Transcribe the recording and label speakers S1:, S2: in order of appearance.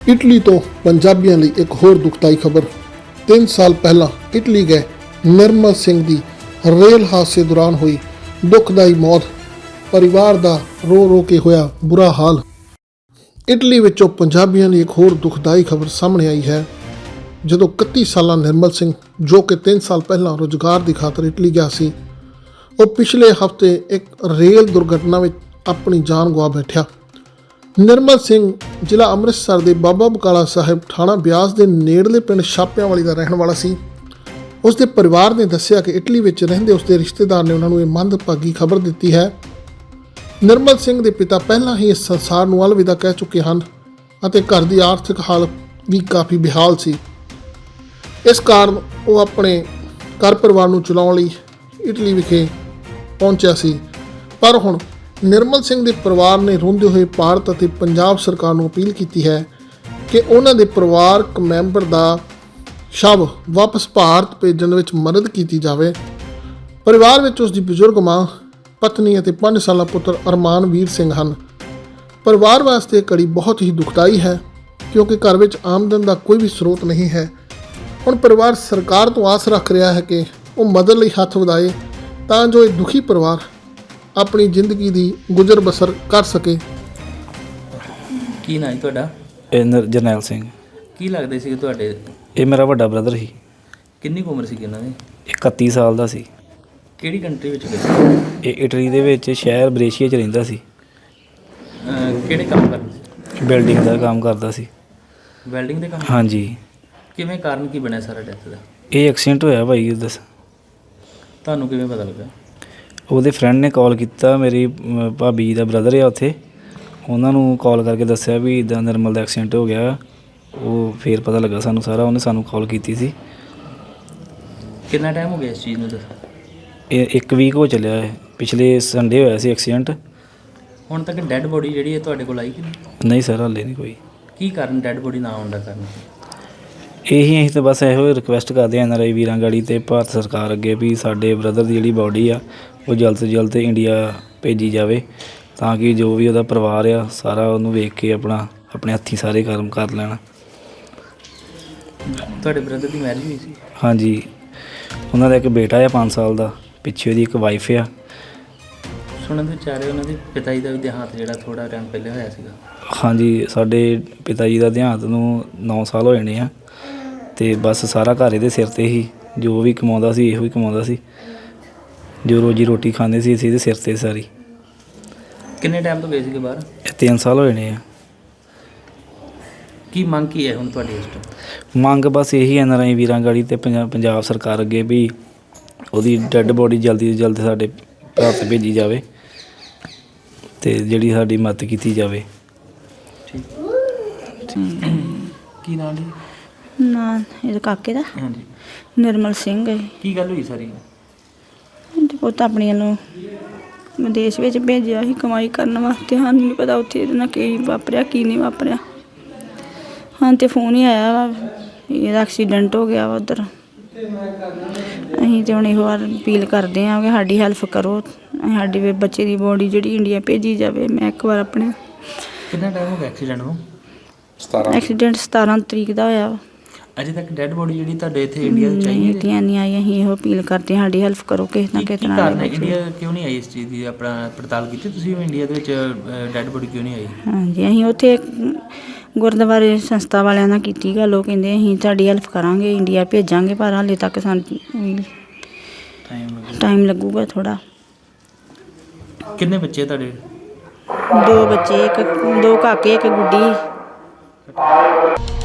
S1: Italy ਤੋਂ ਪੰਜਾਬੀਆਂ ਲਈ ਇੱਕ ਹੋਰ ਦੁਖਦਾਈ ਖਬਰ। 3 ਸਾਲ ਪਹਿਲਾਂ ਇਟਲੀ ਗਏ ਨਿਰਮਲ ਸਿੰਘ ਦੀ ਰੇਲ ਹਾਦਸੇ ਦੌਰਾਨ ਹੋਈ ਦੁਖਦਾਈ ਮੌਤ। ਪਰਿਵਾਰ ਦਾ ਰੋ ਰੋ ਕੇ ਹੋਇਆ ਬੁਰਾ ਹਾਲ। ਇਟਲੀ ਵਿੱਚੋਂ ਪੰਜਾਬੀਆਂ ਲਈ ਇੱਕ ਹੋਰ ਦੁਖਦਾਈ ਖਬਰ ਸਾਹਮਣੇ ਆਈ ਹੈ। ਜਦੋਂ 31 ਸਾਲਾ ਨਿਰਮਲ ਸਿੰਘ, ਜੋ ਕਿ 3 ਸਾਲ ਪਹਿਲਾਂ ਰੁਜ਼ਗਾਰ ਦੀ ਖਾਤਰ ਇਟਲੀ ਗਿਆ ਸੀ, ਉਹ ਪਿਛਲੇ ਹਫ਼ਤੇ ਇੱਕ ਰੇਲ ਦੁਰਘਟਨਾ ਵਿੱਚ ਆਪਣੀ ਜਾਨ ਗਵਾ ਬੈਠਿਆ। ਨਿਰਮਲ ਸਿੰਘ ਜ਼ਿਲ੍ਹਾ ਅੰਮ੍ਰਿਤਸਰ ਦੇ ਬਾਬਾ ਬਕਾਲਾ ਸਾਹਿਬ ਥਾਣਾ ਬਿਆਸ ਦੇ ਨੇੜਲੇ ਪਿੰਡ ਛਾਪਿਆਂਵਾਲੀ ਦਾ ਰਹਿਣ ਵਾਲਾ ਸੀ। ਉਸ ਦੇ ਪਰਿਵਾਰ ਨੇ ਦੱਸਿਆ ਕਿ ਇਟਲੀ ਵਿੱਚ ਰਹਿੰਦੇ ਉਸ ਦੇ ਰਿਸ਼ਤੇਦਾਰ ਨੇ ਉਹਨਾਂ ਨੂੰ ਇਹ ਮੰਦਭਾਗੀ ਖਬਰ ਦਿੱਤੀ ਹੈ। ਨਿਰਮਲ ਸਿੰਘ ਦੇ ਪਿਤਾ ਪਹਿਲਾਂ ਹੀ ਇਸ ਸੰਸਾਰ ਨੂੰ ਅਲਵਿਦਾ ਕਹਿ ਚੁੱਕੇ ਹਨ ਅਤੇ ਘਰ ਦੀ ਆਰਥਿਕ ਹਾਲਤ ਵੀ ਕਾਫੀ ਬੇਹਾਲ ਸੀ। ਇਸ ਕਾਰਨ ਉਹ ਆਪਣੇ ਘਰ ਪਰਿਵਾਰ ਨੂੰ ਚਲਾਉਣ ਲਈ ਇਟਲੀ ਵਿਖੇ ਪਹੁੰਚਿਆ ਸੀ। ਪਰ ਹੁਣ ਨਿਰਮਲ ਸਿੰਘ ਦੇ ਪਰਿਵਾਰ ਨੇ ਰੋਂਦੇ ਹੋਏ ਭਾਰਤ ਅਤੇ ਪੰਜਾਬ ਸਰਕਾਰ ਨੂੰ ਅਪੀਲ ਕੀਤੀ ਹੈ ਕਿ ਉਹਨਾਂ ਦੇ ਪਰਿਵਾਰਕ ਮੈਂਬਰ ਦਾ ਸ਼ਵ ਵਾਪਸ ਭਾਰਤ ਭੇਜਣ ਵਿੱਚ ਮਦਦ ਕੀਤੀ ਜਾਵੇ। ਪਰਿਵਾਰ ਵਿੱਚ ਉਸ ਦੀ ਬਜ਼ੁਰਗ ਮਾਂ, ਪਤਨੀ ਅਤੇ 5 ਸਾਲਾ ਪੁੱਤਰ ਅਰਮਾਨਵੀਰ ਸਿੰਘ ਹਨ। ਪਰਿਵਾਰ ਵਾਸਤੇ ਇਹ ਘੜੀ ਬਹੁਤ ਹੀ ਦੁਖਦਾਈ ਹੈ ਕਿਉਂਕਿ ਘਰ ਵਿੱਚ ਆਮਦਨ ਦਾ ਕੋਈ ਵੀ ਸਰੋਤ ਨਹੀਂ ਹੈ। ਹੁਣ ਪਰਿਵਾਰ ਸਰਕਾਰ ਤੋਂ ਆਸ ਰੱਖ ਰਿਹਾ ਹੈ ਕਿ ਉਹ ਮਦਦ ਲਈ ਹੱਥ ਵਧਾਏ ਤਾਂ ਜੋ ਇਹ ਦੁਖੀ ਪਰਿਵਾਰ ਆਪਣੀ ਜ਼ਿੰਦਗੀ ਦੀ ਗੁਜ਼ਰ ਬਸਰ ਕਰ ਸਕੇ।
S2: ਕੀ ਨਾਂ ਹੈ ਤੁਹਾਡਾ?
S3: ਜਰਨੈਲ ਸਿੰਘ।
S2: ਕੀ ਲੱਗਦੇ ਸੀ ਤੁਹਾਡੇ?
S3: ਇਹ ਮੇਰਾ ਵੱਡਾ ਬ੍ਰਦਰ ਸੀ।
S2: ਕਿੰਨੀ ਕੁ ਉਮਰ ਸੀ ਇਹਨਾਂ ਦੀ?
S3: 31 ਸਾਲ ਦਾ ਸੀ।
S2: ਕਿਹੜੀ ਕੰਟਰੀ ਵਿੱਚ ਗਏ?
S3: ਇਹ ਇਟਲੀ ਦੇ ਵਿੱਚ ਸ਼ਹਿਰ ਬਰੇਸ਼ੀਆ 'ਚ ਰਹਿੰਦਾ ਸੀ।
S2: ਕਿਹੜੇ ਕੰਮ ਕਰਦੇ ਸੀ?
S3: ਬਿਲਡਿੰਗ ਦਾ ਕੰਮ ਕਰਦਾ ਸੀ।
S2: ਵੈਲਡਿੰਗ ਦੇ ਕੰਮ?
S3: ਹਾਂਜੀ।
S2: ਕਿਵੇਂ ਕਾਰਨ ਕੀ ਬਣਿਆ ਸਾਰਾ ਡੈਥ ਦਾ?
S3: ਇਹ ਐਕਸੀਡੈਂਟ ਹੋਇਆ ਭਾਈ। ਦੱਸ
S2: ਤੁਹਾਨੂੰ ਕਿਵੇਂ ਪਤਾ ਲੱਗਾ?
S3: ਉਹਦੇ ਫਰੈਂਡ ਨੇ ਕਾਲ ਕੀਤਾ। ਮੇਰੀ ਭਾਬੀ ਜੀ ਦਾ ਬ੍ਰਦਰ ਆ ਉੱਥੇ, ਉਹਨਾਂ ਨੂੰ ਕਾਲ ਕਰਕੇ ਦੱਸਿਆ ਵੀ ਇੱਦਾਂ ਨਿਰਮਲ ਦਾ ਐਕਸੀਡੈਂਟ ਹੋ ਗਿਆ। ਉਹ ਫਿਰ ਪਤਾ ਲੱਗਾ ਸਾਨੂੰ ਸਾਰਾ। ਉਹਨੇ ਸਾਨੂੰ ਕਾਲ ਕੀਤੀ ਸੀ।
S2: ਕਿੰਨਾ ਟਾਈਮ ਹੋ ਗਿਆ ਇਸ ਚੀਜ਼ ਨੂੰ?
S3: ਇਹ 1 ਵੀਕ ਹੋ ਚੱਲਿਆ ਹੈ। ਪਿਛਲੇ ਸੰਡੇ ਹੋਇਆ ਸੀ ਐਕਸੀਡੈਂਟ।
S2: ਹੁਣ ਤੱਕ ਡੈੱਡ ਬੋਡੀ ਜਿਹੜੀ ਹੈ ਤੁਹਾਡੇ ਕੋਲ ਆਈ ਕਿ
S3: ਨਹੀਂ ਸਰ, ਹਾਲੇ ਨਹੀਂ ਕੋਈ।
S2: ਕੀ ਕਾਰਨ ਡੈੱਡ ਬੋਡੀ ਨਾ ਆਉਣ ਦਾ ਕਾਰਨ?
S3: ਅਸੀਂ ਤਾਂ ਬਸ ਇਹੋ ਰਿਕੁਐਸਟ ਕਰਦੇ ਹਾਂ NRI ਵੀਰਾਂ ਗਾੜੀ ਅਤੇ ਭਾਰਤ ਸਰਕਾਰ ਅੱਗੇ ਵੀ ਸਾਡੇ ਬ੍ਰਦਰ ਦੀ ਜਿਹੜੀ ਬਾਡੀ ਆ ਉਹ ਜਲਦ ਤੋਂ ਜਲਦ ਇੰਡੀਆ ਭੇਜੀ ਜਾਵੇ ਤਾਂ ਕਿ ਜੋ ਵੀ ਉਹਦਾ ਪਰਿਵਾਰ ਆ ਸਾਰਾ ਉਹਨੂੰ ਵੇਖ ਕੇ ਆਪਣੇ ਹੱਥੀਂ ਸਾਰੇ ਕਰਮ ਕਰ ਲੈਣ।
S2: ਤੁਹਾਡੇ ਬ੍ਰਦਰ ਦੀ ਮੈਰਿਜ ਹੋਈ ਸੀ?
S3: ਹਾਂਜੀ, ਉਹਨਾਂ ਦਾ ਇੱਕ ਬੇਟਾ ਆ 5 ਸਾਲ ਦਾ, ਪਿੱਛੇ ਉਹਦੀ ਇੱਕ ਵਾਈਫ ਆ।
S2: ਸੁਣਨ ਦੇ ਵਿਚਾਰੇ ਉਹਨਾਂ ਦੇ ਪਿਤਾ ਜੀ ਦਾ ਵੀ ਦੇਹਾਂਤ ਜਿਹੜਾ ਥੋੜ੍ਹਾ ਟਾਈਮ ਪਹਿਲੇ ਹੋਇਆ ਸੀਗਾ।
S3: ਹਾਂਜੀ, ਸਾਡੇ ਪਿਤਾ ਜੀ ਦਾ ਦੇਹਾਂਤ ਨੂੰ 9 ਸਾਲ ਹੋ ਜਾਣੇ ਆ ਅਤੇ ਬਸ ਸਾਰਾ ਘਰ ਇਹਦੇ ਸਿਰ 'ਤੇ ਹੀ। ਜੋ ਵੀ ਕਮਾਉਂਦਾ ਸੀ ਇਹੋ ਹੀ ਕਮਾਉਂਦਾ ਸੀ। ਜੋ ਰੋਜੀ ਰੋਟੀ ਖਾਂਦੇ ਸੀ ਅਸੀਂ ਇਹਦੇ ਸਿਰ 'ਤੇ ਸਾਰੀ।
S2: ਕਿੰਨੇ ਟਾਈਮ ਤੋਂ ਗਏ ਸੀਗੇ ਬਾਹਰ?
S3: ਇਹ 3 ਸਾਲ ਹੋ ਜਾਣੇ ਆ।
S2: ਕੀ ਮੰਗ ਕੀ ਹੈ ਹੁਣ ਤੁਹਾਡੀ ਇਸ ਤੋਂ?
S3: ਮੰਗ ਬਸ ਇਹੀ NRI ਵੀਰਾਂ ਗਾੜੀ ਅਤੇ ਪੰਜਾਬ ਸਰਕਾਰ ਅੱਗੇ ਵੀ ਉਹਦੀ ਡੈੱਡ ਬੋਡੀ ਜਲਦੀ ਤੋਂ ਜਲਦ ਸਾਡੇ ਭਾਰਤ ਭੇਜੀ ਜਾਵੇ ਅਤੇ ਜਿਹੜੀ ਸਾਡੀ ਮਦਦ ਕੀਤੀ ਜਾਵੇ।
S2: ਠੀਕ। ਕੀ ਨਾਂ ਜੀ?
S4: ਨਾਂ ਇਹਦੇ ਕਾਕੇ ਦਾ
S2: ਹਾਂਜੀ।
S4: ਨਿਰਮਲ ਸਿੰਘ ਹੈ।
S2: ਕੀ ਗੱਲ ਹੋਈ ਸਾਰੀ?
S4: ਤੇ ਪੁੱਤ ਆਪਣੀਆਂ ਨੂੰ ਵਿਦੇਸ਼ ਵਿੱਚ ਭੇਜਿਆ ਸੀ ਕਮਾਈ ਕਰਨ ਵਾਸਤੇ। ਸਾਨੂੰ ਨਹੀਂ ਪਤਾ ਉੱਥੇ ਇਹਦੇ ਨਾਲ ਕੀ ਵਾਪਰਿਆ ਕੀ ਨਹੀਂ ਵਾਪਰਿਆ। ਹਾਂ ਤੇ ਫੋਨ ਹੀ ਆਇਆ ਵਾ ਇਹਦਾ ਐਕਸੀਡੈਂਟ ਹੋ ਗਿਆ ਵਾ ਉੱਧਰ। ਅਸੀਂ ਤਾਂ ਹੁਣ ਇਹੋ ਵਾਰ ਅਪੀਲ ਕਰਦੇ ਹਾਂ ਕਿ ਸਾਡੀ ਹੈਲਪ ਕਰੋ। ਸਾਡੇ ਬੱਚੇ ਦੀ ਬੋਡੀ ਜਿਹੜੀ ਇੰਡੀਆ ਭੇਜੀ ਜਾਵੇ। ਮੈਂ ਇੱਕ ਵਾਰ ਆਪਣੇ
S2: ਕਿੰਨਾ ਟਾਈਮ ਹੋ ਗਿਆ ਐਕਸੀਡੈਂਟ ਨੂੰ?
S4: ਐਕਸੀਡੈਂਟ 17 ਤਰੀਕ ਦਾ ਹੋਇਆ ਵਾ।
S2: ਅਜੇ ਤੱਕ ਡੈੱਡ ਬੋਡੀ ਜਿਹੜੀ ਤੁਹਾਡੇ ਇੱਥੇ ਇੰਡੀਆ ਵਿੱਚ ਆਈ ਹੈ?
S4: ਇੰਡੀਆ ਨਹੀਂ ਆਈ। ਅਸੀਂ ਇਹੋ ਅਪੀਲ ਕਰਦੇ ਹਾਂ ਸਾਡੀ ਹੈਲਪ ਕਰੋ ਕਿਸੇ ਨਾ ਕਿਸੇ ਤਰ੍ਹਾਂ।
S2: ਇੰਡੀਆ ਕਿਉਂ ਨਹੀਂ ਆਈ ਇਸ ਚੀਜ਼ ਦੀ ਆਪਣਾ ਪੜਤਾਲ ਕੀਤੀ ਤੁਸੀਂ? ਇੰਡੀਆ ਦੇ ਵਿੱਚ ਡੈੱਡ ਬੋਡੀ ਕਿਉਂ ਨਹੀਂ ਆਈ? ਹਾਂਜੀ,
S4: ਅਸੀਂ ਉੱਥੇ ਗੁਰਦੁਆਰੇ ਸੰਸਥਾ ਵਾਲਿਆਂ ਨਾਲ ਕੀਤੀ ਗੱਲ। ਉਹ ਕਹਿੰਦੇ ਅਸੀਂ ਤੁਹਾਡੀ ਹੈਲਪ ਕਰਾਂਗੇ, ਇੰਡੀਆ ਭੇਜਾਂਗੇ, ਪਰ ਹਾਲੇ ਤੱਕ ਸਾਨੂੰ ਟਾਈਮ ਲੱਗੂਗਾ ਥੋੜ੍ਹਾ।
S2: ਕਿੰਨੇ ਬੱਚੇ ਤੁਹਾਡੇ?
S4: 2 ਬੱਚੇ, 2 ਕਾਕੇ, 1 ਗੁੱਡੀ।